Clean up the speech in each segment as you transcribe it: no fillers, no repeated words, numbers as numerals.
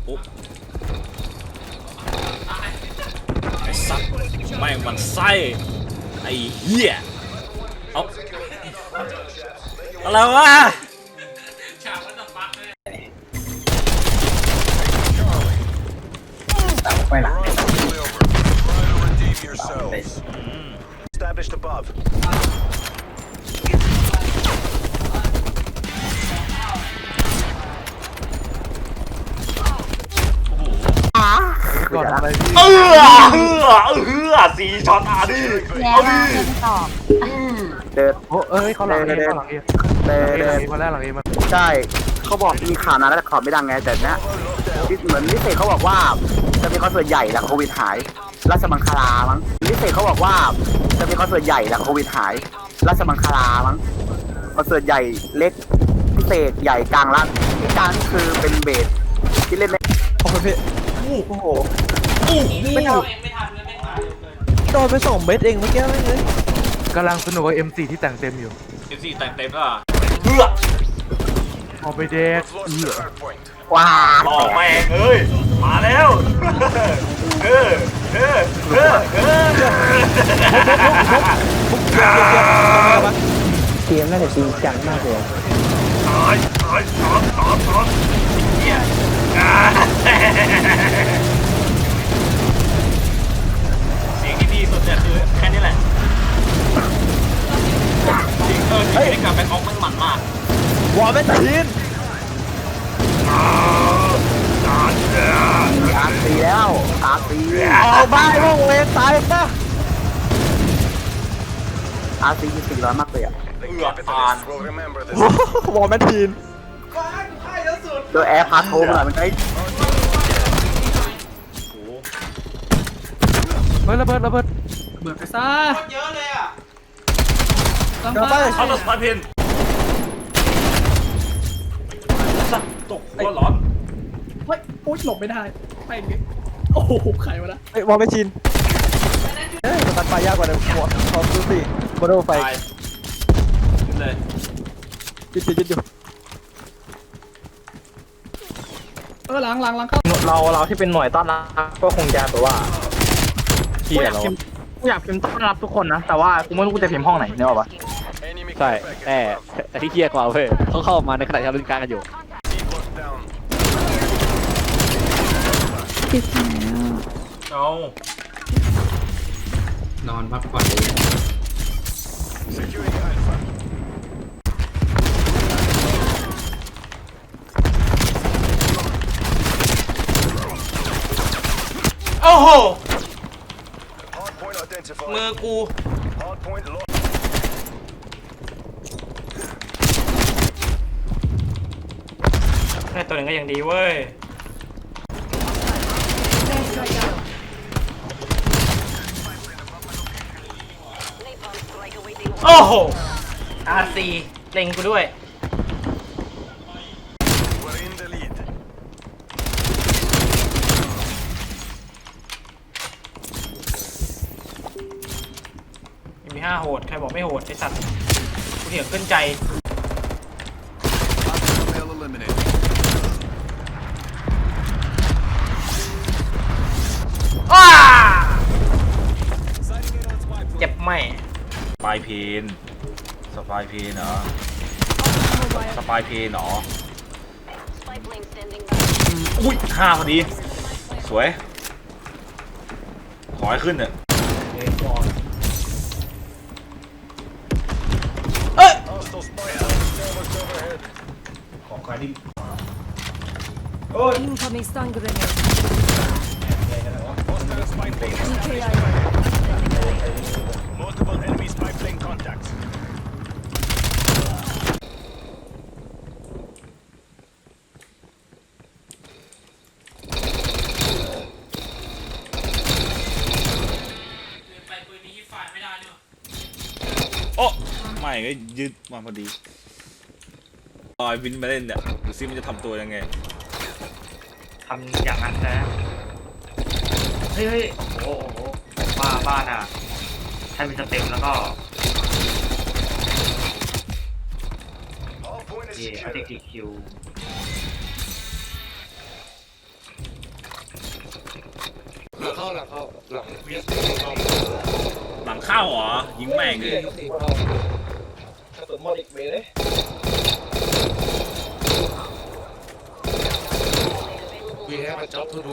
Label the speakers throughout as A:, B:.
A: ปุ๊บไอ้สัตว์ไม่มันไส้ไอ้เหี้ยเอาอะไรวะ
B: ไปหลัง
C: Established above.
B: ก่อนอะไรพี่
A: สี่ช็อตอ่ะดิ
D: แล้วมาเป็นตอบ
B: เดิน
E: โอ้เอ้ยเขาหลังเอเขาหลังเอ
B: เดิน
E: ห
B: เดิ
E: ลัง
B: น
E: เอมาแล้วหลังเอมา
B: ใช่เขาบอกมีข่าวนะแต่ข่าวไม่ดังไงแต่เนี้ยเหมือนนิเศษเขาบอกว่าจะมีคอนเสิร์ตใหญ่แล้วโควิดหายราชมังคลามั้งนิเศษเขาบอกว่าจะมีคอนเสิร์ตใหญ่แล้วโควิดหายราชมังคลามั้งคอนเสิร์ตใหญ่เล็กพิเศษใหญ่กลางล่างที่กลางนี่คือเป็นเบสที่เล่นใน
F: โอ้โหพี่
B: โอ้โห
F: ไม่ทันโดนไป2 เม็ดเองเมื่อกี้ไม่เลย
E: กำลังสนุกกับ M4 ที่แต่งเต็มอยู่
A: สี่แต่งเต็มแล้วเพื่อ
E: เอาไปเดก
C: Lost the hard point.
B: ว้า
A: หลอกแม่งเอ้ยมาแล้วเออเออเออเออ
F: เกมน่าจะจริงจังมากเลย
A: ตายเหี้ยเสียงที่ดีสุดเนี่ยคือแค่นี้แหละจริงจริงได้กลับไปออกมันหมันมาก
F: วอลเป็นทีน
B: อาร์ซีแล้วอาร์ซี
F: เอาบ้านวงเวตายปะ
B: อาร์ซีมี400มากเลยอ่ะ
C: The capitalists will remember this.
F: วอลเป็นทีน
B: โดยแอร์พาโทมอ่ะมันไอ้
E: เฮ้ยระเบิดระเบิด
F: เดี๋ยวไป
A: เขาตัดสปายเพนสัตว์ตกหัวร้อน
G: เฮ้ยโอ๊ยหลบไม่ได้ไปอย่างงี้โอ้โหใครวะนะ
F: วอลเป็นทีนเฮ้ยมันไปยากกว่าเดิมหัวขอบดูสิบอลไฟ
A: ตายขึ้นเลย
F: จิตอยู่
G: หลังเข้า
H: เราที่เป็นหน่วยต้อนรับก็คงจะแบบว่ากูอยากพิมพ์ต้อนรับทุกคนนะแต่ว่ากูไม่รู้กูจะพิมพ์ห้องไหนเนี่ยหรอวะ
C: Enemy
H: ใช่
C: care
H: แต่ที่เฮี้ยกว่าเว้ยเขาเข้ามาในขณะที่เราเล่นการกันอยู่
C: package. Locked down.
D: ติดแล้ว
A: เอา
G: นอนพักผ่อนเลย
C: Securing Alpha.
A: โอ้โห
C: Hard point identified.
A: มือกู
C: Hard point lost.
H: แค่ตัวหนึ่งก็ยังดีเว้ย
A: โอ้โห
H: RC เล็งกูด้วย
C: We're in the lead.
H: มี5โหดใครบอกไม่โหดไอสัตว์กูเถียงขึ้นใจ
C: Male eliminated.
H: ว้าเจ็บไหม
A: สปายเพนสปายเพนเหรอสปายเพนเหรออุ้ย5พอดี สวย ขอให้ขึ้นเถอะ
C: Hostile spy established overhead.
A: ของใครที่
D: incoming stun grenade
C: Hostile spy plane. Multiple enemy spy plane contacts.
A: โอ้ไม่ก็ยืดมาพอดีลอยวินมาเล่นเนี่ยดูซิมันจะทำตัวยังไง
H: ทำอย่างนั้นนะเฮ้ยโอ้โหบ้านอ่ะให้มันจะเต็มแล้วก็
C: All point is
H: เย่
C: secure.
H: เอาเด็กคิว
I: เข้าหลังวีสเข้า
A: หลังเข้าเหรอยิงแม่งเลย
F: กระสุนหมดอีกเวเลย
I: วีแฮปมาจ็อบทูดู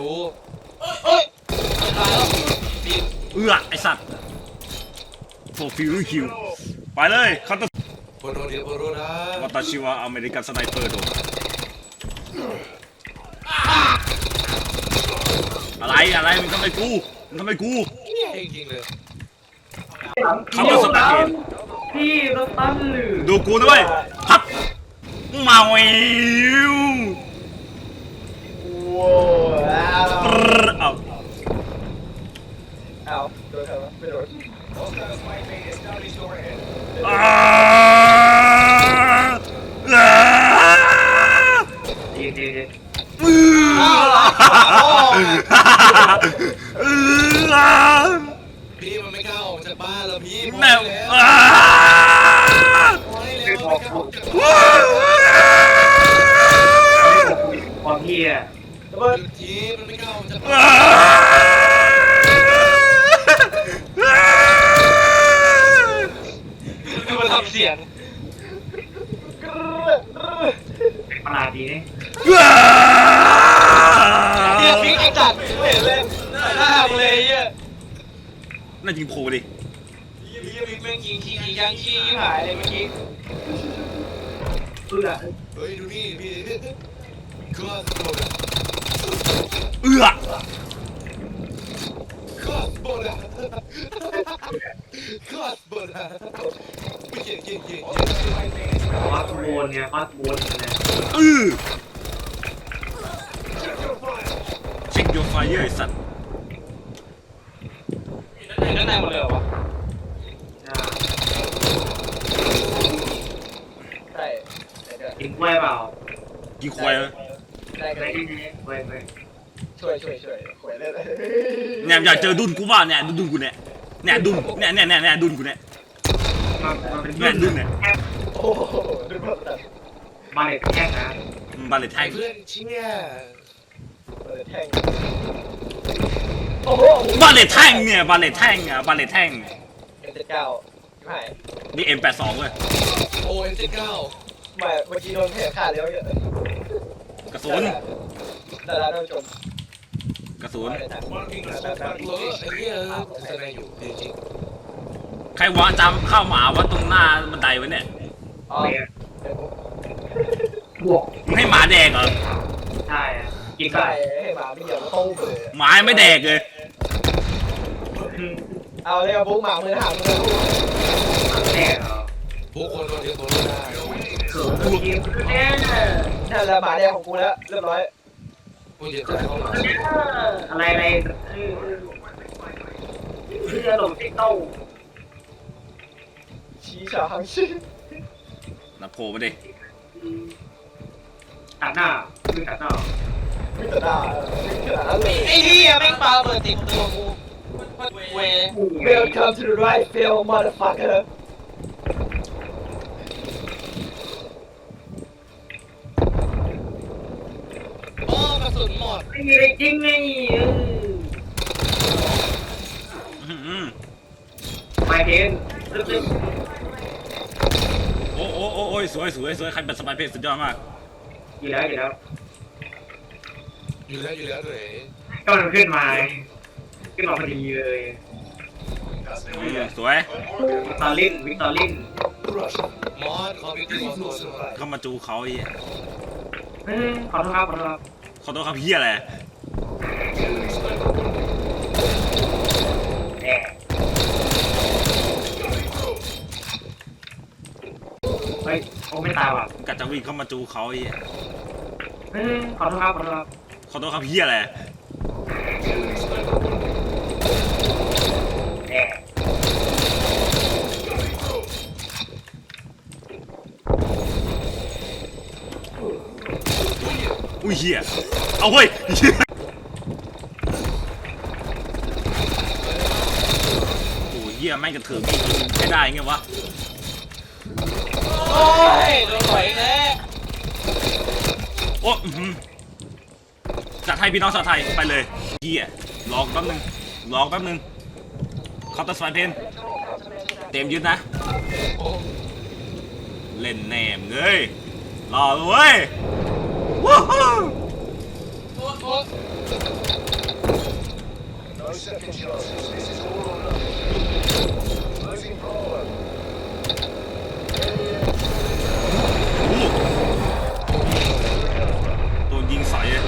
A: ไอสัตว์โฟฟิลคิวไปเลยคาตา
I: โปรเดียโปรนะ
A: วัตชิวะอเมริกันสไนเปอร์โดอะไรมึงทำไมกู
I: เนี่ยจริงๆเลย
A: เขาเป็นสตาร์เกต
H: พี่รถตั้นหรือ
A: ดูกูด้วยพับมาวิว
F: ว้าว
A: เอา
F: เอาโดนใครวะไม่โดน
C: Hostile spy plane established overhead.
H: เย็น
I: พี่มันไม่กล้าออกจากบ้านแล้วพี่
A: แม่
H: ความพี่อะ
F: ระเบิด
I: ทีมันไม่กล้าออกจากบ้านคือมันทำเสียง
H: ประหลาดดีนี่
I: เนี่ยพี่ไอ้จัดเห็นเลยหน้าเลยเหี้ย
A: น่ายิงโผล่ดิ
I: พี่บิ๊กแม่งยิงขี้ยังขี้หายเลยเมื่อกี้
H: เพื่อ
I: เฮ้ยดูนี่พี่คลอสโบด
A: เอื้อ
I: คลอสโบดคลอสโบดไม่เก่ง
H: คอสโบนไงคอสโบนนะ
A: เช็คโยไฟเยอร์ไอสัตว์
I: ด้านในหมดเลยเหรอวะ
F: ใช่เดี๋ยว
H: กินกล้วยเปล่า
A: ยิงควาย
F: ได้กัน
H: ไม่กล้วย
F: ช่วยหวยเลย
A: เนี่ยอยากเจอดุนกูบ้าเนี่ยดุนกูเนี่ยดุนเนี่ยดุนกูเนี่ย
H: มันเป็น
A: เนี่ยดุนเนี่ย
F: โอ้โหดูแบบนั้น
H: มาเล็กแค่นะ
A: บาเลตแทง
I: เพื่อนเชี่ย
F: เปิดแท่งโอ้โห
A: บาเลตแทงเนี่ยบาเลตแทงบาเลตแทง
F: M79หาย
A: นี่ M82 เว้ย
I: โอ้M79
F: ไม่เมื่อกี้โดนแผลขาดแล้วเยอะ
A: กระสุน
F: แต่ละท่านผู้ชม
A: กระสุน
C: Marking the
I: เอ
C: spot
I: อไอ้เหี้ยแสดงอยู่จริง
A: ใครวางจำข้าวหมาวัดตรงหน้าบันไดไว้เนี่ย
F: อ๋อ
H: บวก
A: มึงให้หมาแดกเหรอ
H: ใช่กิน
F: ใช่
H: ได้
F: ให้หมาไม่เหยียบตู้เลย
A: หมาไม่แดกเลย
F: เอาเลยเอาปุ๊กหมามือหางมือ
H: แน่เหรอ
I: ๆพวกคนเราเรียนตัวได้
H: เขินกินแน่
F: นั่นแหละหมาแดงของกูแล้วเรียบร้อย
I: พวกเรียนตัวเข้ามา
H: อะไรเพื่อหลงติ๊กโต้
F: ชี้ฉางชี้
A: นะโผล่มาดิ
H: ตัดหน้าคือตัดหน้า
F: วิตาดาขนาดนั้นเลย
I: ไอ้เหี้ยแม่งปาเปิดติดตัวกูเว
F: Welcome to the right field motherfucker
I: โอ้กระสุนหมด
H: ไม่มีอะไรจริงไง ไปเพนลึก
A: โอ้ยสวยใครเป็นสไปเพจสุดยอดมาก
H: ๆอยู่แล้ว
I: อยู่แล้วเลย
H: ก็มันขึ้นมาพอดีเลย
A: สวย
H: วิกตอริน
I: มอสคอมพิวเตอร์มอส
A: เข้ามาจูเขาไอ้เหี้ย
H: ขอโทษครับ
A: ขอโทษครับเหี้ยอะไร
H: แอบเฮ้ยโอ้ไม่ตายว่ะ
A: กัดจะวิ่งเข้ามาจูเขาไอ้เหี้ย
H: ขอโทษครับ
A: ขอโทษครับเหี้ยอะไร
H: แอบ
A: อุ้ยเหี้ยเอาเว้ยเหี้ยโอ้ยเหี้ยแม่งกระเถิบไม่ยิงไม่ได้ไงวะ
I: โอ้ยโดนต่อยแน่
A: โอ้จัดให้พี่น้องชาวไทยไปเลยเหี้ยลองแป๊บนึงเคาน์เตอร์สไตล์เพนเต็มยึดนะเล่นแหนมเลยรอเลยเว้ยวู้ฮู้
C: No second chances. This is all or nothing. Losing Bravo.
A: โดนยิงใส่เลย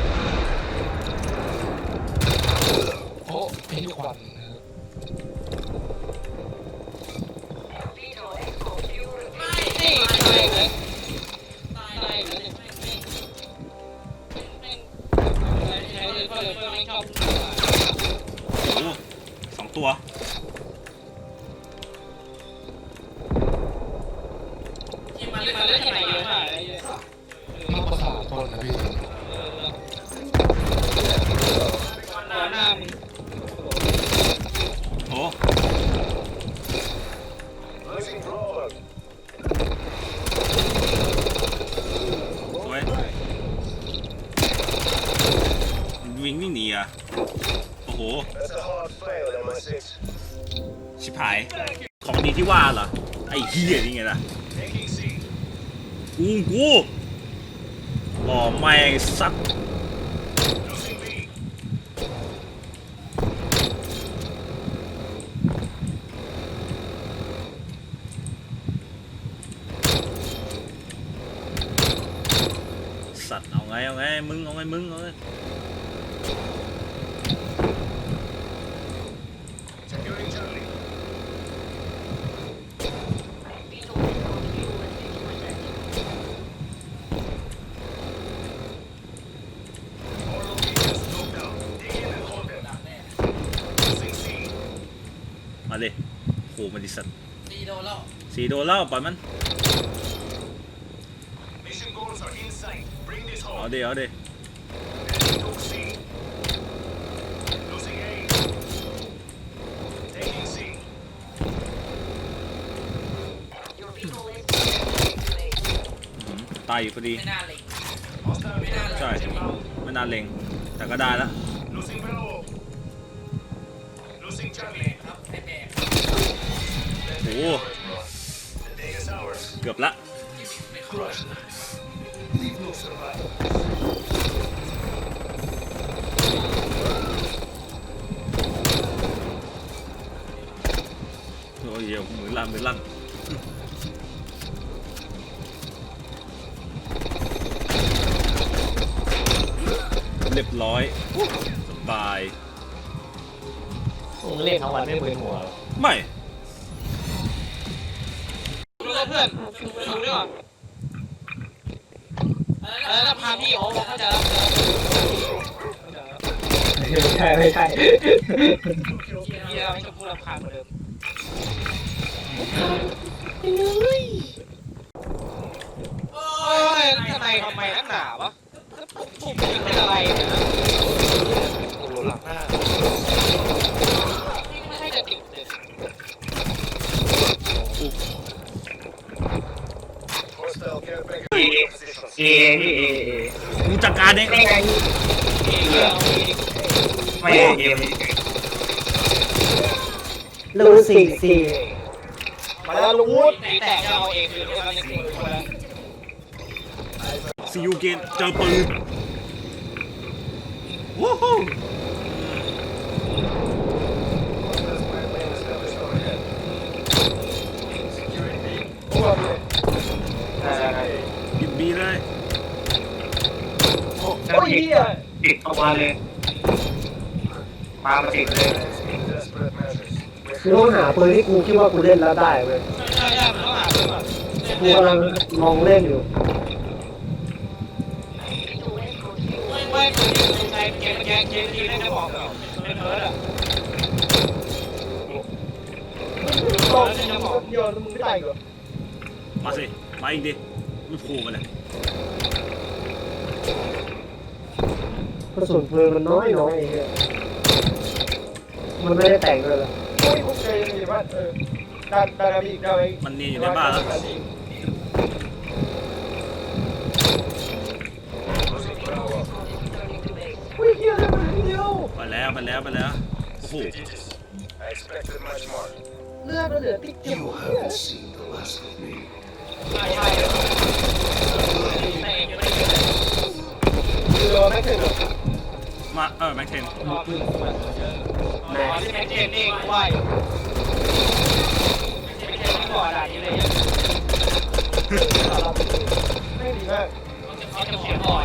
F: โอ้พี่ควัน
I: นี่ตายเลยตายเลยใช้เลยเพื่อนไม่ชอบ
A: โอ้สองตัว
I: มันเล่นที่ไหนเยอะมากเลย
F: มาประสาทคนนะพี่
I: หน้ามึง
A: โอ้
C: Losing Bravo.
A: สวยวิ่งหนีอ่ะโอ้โห
C: That's a hard fail, MI6.
A: ชิบหาย ของดีที่ว่าเหรอ ไอ้เหี้ยนี่ไงล่ะ
C: Taking C.
A: กูอ๋อไม่สัตว์
C: Losing B.
A: สัตว์เอาไงมึงเอาไง
C: Securing Charlie.
A: มาเลยโหมาดิสัตว์
I: ตีโดนแล้ว
A: สีโดนแล้วปล่อยมัน
C: Mission goals are in sight. Bring this
A: เอา
C: home.
A: เดี๋ยว
C: Took C. Losing A. Taking C.
A: ตายอยู่พอดี
I: ไม่น่าเลย
C: Hostile
A: ใช่ ไม่นานเล็งแต่ก็ได้แล้ว
C: Losing Bravo. Losing Charlie.
I: ครับไอ้แบก
A: โอ้
C: The day is ours.
A: เกือบละ
C: Crush. Leave no survivor.
A: โอ้ยเหี้ยมือลั่นเรียบร้อยสบาย
F: เล่นทั้งวันไม่มึนหัว
A: ไม่
I: ดูเพื่อนดูด้วยก่อนแล้วพาพี่เขาบอกเขาจะ
F: ไม่ใช่
I: พี่เราไม่ชอบพูดรำคาญเหมือนเดิมโอ้ยทำไมนักหนาวะผมเป็นอะไรเนี่ย
F: หลังหน้า
I: ไม่ใช่จะติดเลย
C: Hostile care package. Positions.
A: กูจัดการเอง
H: ไม่เกม
F: ลูสี่สี่
I: มาแล้วลุงวุฒิแต่จะเอาเองคือเราเล่นเองคนละ
A: ซีอูเกนเจอปืนวู้ฮู้ ยิบบีเลย
H: โอ้ยติดออกมาเลยมาติดเลย
C: Desperate measures.
F: คือต้องหาปืนที่กูคิดว่ากูเล่นแล้วได้เว้ย
I: ใช่มันต้องหาเพื่อน
F: กูกำลังลองเล่นอยู่
I: ไม่คือใช้เกมทีเล่นจะบอกแบบเป็นเพิร์ดอ่ะ
F: โยนมึงไม่ได้เหรอ
A: มาสิ มาอีกดิ ไม่โผล่มาเลย
F: กระสุนปืนมันน้อยเองมันไม่ได้แต่งเลยหรอ
A: มันเนียนอยู่ในบ้านแล้ว
C: Losing Bravo.
A: ไปแล้วไปแล้วไปแล้วโอ้โห
C: I expected much more.
F: เลือดมันเหลือติ๊กเดียว
I: ใช่ใช่เตะอยู่ใน
F: เรือไม่ถึง
A: มาแม็กเทน
I: รอบแม็กเจนเองว่าอยู่แม็กเจนไม่ก่อนอะไรเลย
F: ไม่ดีมาก
I: เขาจะเขียนบ่อย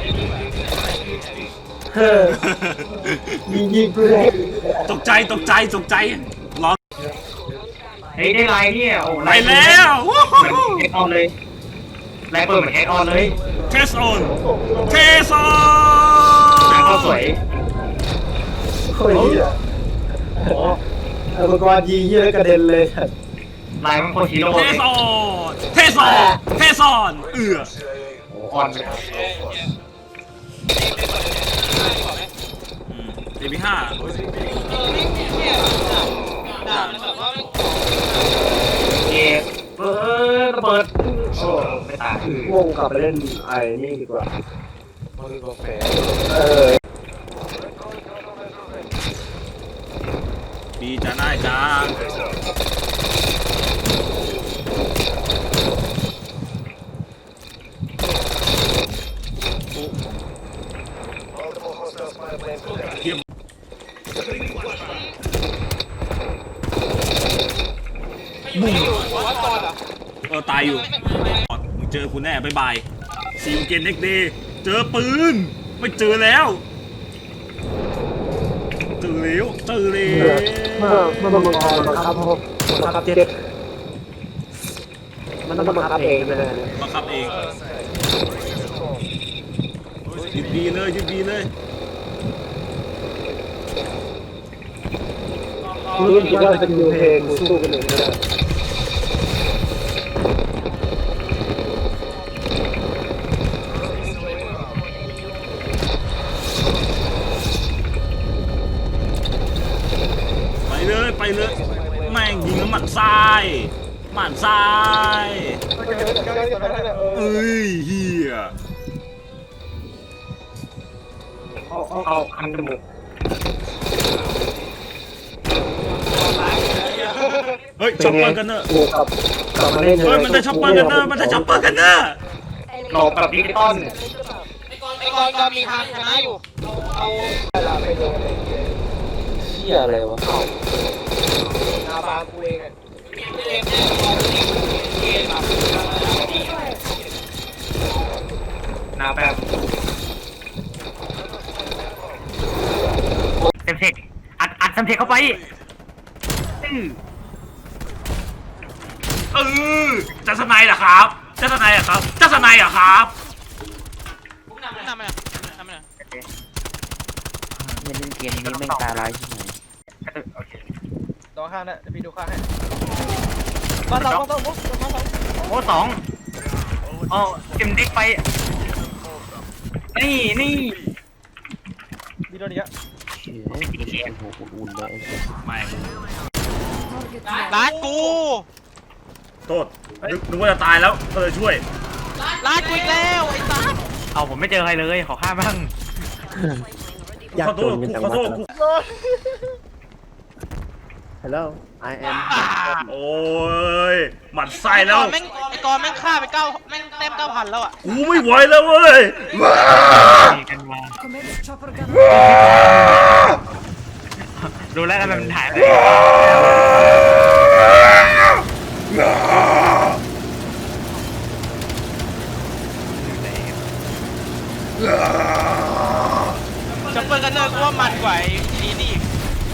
F: ยิงกูเลย
A: ตกใจตกใจตกใจร้อง
H: เฮ้ยได้ไลน์เนี่ยโอ้
A: ไปแล้ววู้
H: เหมือน
A: ฮู้
H: เฮดออนเลยไลน์เปิดเหมือนเฮดออนเลย
A: เทสออนเทสอ
H: เข้าน สวย
F: โคตรดีอ่ะโอ้อุปกรณ์ยิงเยอะกระเด็นเลย
H: ไลน์มันโคตรฮีโร่
A: เท
H: เลย
A: สออนเทสออนเทสออน
H: ออนไป
A: AP5
I: เนี่ยด่ามันแบบว่า
H: เกมระเบิดโอ้ไม่ตายว
F: งกลับไปเล่นไอ้นี่ดีกว่า
A: ดีจ้าน่ายจ้าโอ้
C: Multiple hostile spy planes detected.
A: เทียบตายอยู่มึงเจอกูแน่บ๊ายบายซีอูเกนเน็กเดย์เจอปืนไม่เจอแล้วเจอแล้วเจอแล้ว
F: มันบังคับเจ็บมันต้องบังคับเองไปเลย
A: บังคับเองหยุดดีเลยหยุดดีเลย
F: รู้สึกว่าเป็นยูเพลงสู้กันเองก็ได้
A: ไปเลยไปเลยแม่งยิงแล้วหมันซ้ายหมันซ้ายเอ้ยเฮีย
H: เอาคันจมูก
A: เฮ้ยช็อปเปอร์กันเนอร์
F: บวกกับกลับมาเล่น
A: เฮ้ยมันได้ช็อปเปอร์กันเนอร์มันได้ช็อปเปอร์กันเนอร์
H: หลอกแบบดิจิตอล
I: ไอ้กอนก็มีทางชนะอยู่เอา
F: เชี่ยอะไรวะนาบากูเอง
I: เกมเนี่ยเกมแบบดี
H: นาแบบเต็มเทคอัดเต็มเทคเข้าไป
A: จะสไนด์เหรอครับจะสไนด์เหรอครับจะสไนด์เหรอครับ
I: นำมันนำมัน
B: เล่นเกมนี้ไม่ตาร้ายที่ไหน
F: ดูข้างนะเดี๋ยวพี่ดูข้างให้มาสอง
H: โอ้สองอ๋อเก็มเด็กไปนี่
F: มีตัวนี้อ่ะ
A: ไม่
I: ร้านกู
A: โทษนึกว่าจะตายแล้วก็เลยช่วย
I: ร้านกูอีกแล้วไอ้สัส
H: เอาผมไม่เจอใครเลยขอข้ามบ้าง
A: ขอโทษขอโทษ
F: Hello I am
A: โอ้ยหมันไส้แล้ว
I: ไอ้กอนแม่งฆ่าไปแม่งเต็ม 9,000 แล้วอ่ะ
A: กูไม่ไหวแล้วเว้ย
H: กันมา
D: Commence chopper gun.
H: ดูแล้วทำไมมันถ่ายไป
I: จัมเปอร์กันเนอร์กูว่ามันกว่าไอ้นี่อีก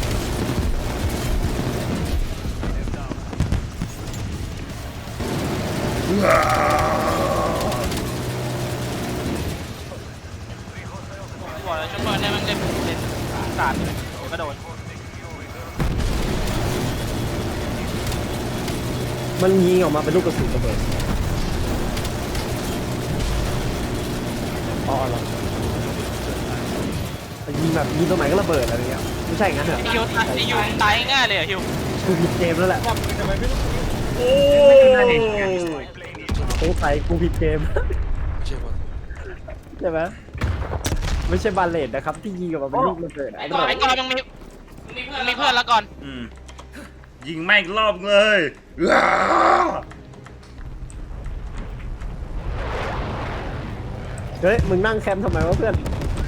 I: บอกเลยจัมเปอร์เนี่ยมันเล่นศาสตร์เลยกระโดด
F: มันยิงออกมาเป็นลูกกระสุนระเบิดอ๋อเหรอยิงแบบยิงตรงไหนก็ระเบิดอะไรเงี้ยไม่ใช่งั้นเหรอ
I: ไอ้ฮิวตายง่ายเลยอ่ะฮิว
F: กูผิดเกมแล้วแหละ
A: โอ้
F: สงสัยกูผิดเกมใช่ไหมไม่ใช่บาเลตนะครับที่ยิงออกมาเป็นลูกระเบิดไอ้
I: ไอ้ก่อนยังมีเพื่อนแล้วก่อน
A: ยิงแม่งอีกรอบเลยอ้า
F: เฮ้ยมึงนั่งแคมป์ทำไมวะเพื่อน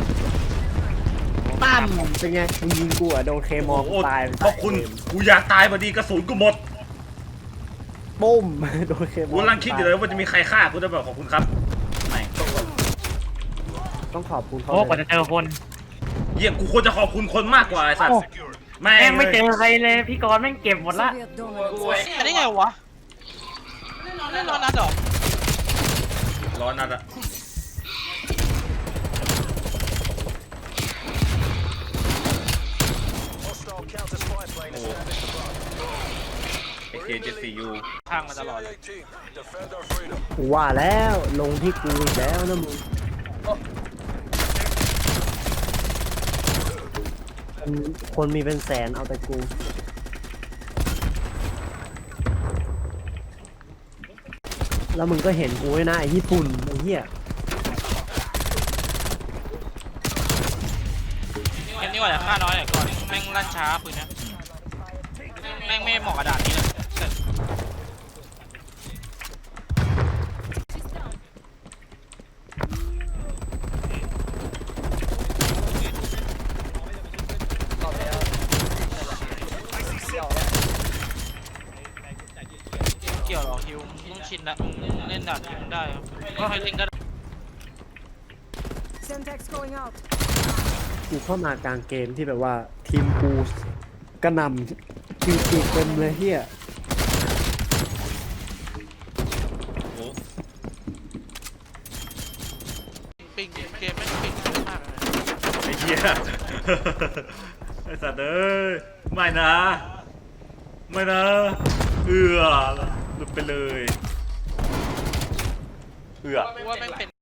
F: ตั้มเป็นไงมึงยิงกูอะโดนเคมอ
A: โอ้
F: งตาย
A: ขอบคุณกูอยากตายพอดีกระสุนกูหมด
F: ปุ้มโดนเคมอ
A: กู
F: ง
A: กำลังคิดอยู่เลยว่าจะมีใครฆ่ากูจะแบบขอบคุณครับไม่
F: ต้องขอบคุณเขา
H: โอ้กว่าจะเจอคน
A: เยี่ยมกูควรจะขอบคุณคนมากกว่าไอ้สัตว์แม่
H: แม่ง
A: ง
H: ไม่เจอใครเลยพี่กรณ์แม่งเก็บหมดละ
D: Soviet dominance.
I: อันนี้ไงวะเล่นร้อนนัดเหรอ
A: ร้อนนัดอะโอ้AK-74U
I: ข้างมาตลอดเลย
F: กูว่าแล้วลงที่กูอีกแล้วนะมึงคนมีเป็นแสนเอาแต่กู แล้วมึงก็เห็นกูไว้นะไอ้ญี่ปุ่นไอ้เหี้ย
I: เกมนี้ว่าจะฆ่าน้อยหน่อยก่อนแม่งลั่นช้าปืนนะแม่งไม่เหมาะกระดาษนี้เลยเกี่ยวหรอฮิวมึงต้องชินละมึงเล่นด่านที่มึงได้ครับก็ให้เล่นก็
D: Semtex going out.
F: กูเข้ามากลางเกมที่แบบว่าทีมกูกระหน่ำคิวตีเต็มเลยเฮีย
A: โอ้
I: ปิงเกมไม่ปิงมากเลย
A: ไอ้เหี้ยไอ้สัตว์เอ้ยไม่นะไม่นะหลุดไปเลย
I: ว่าแม่งเป็น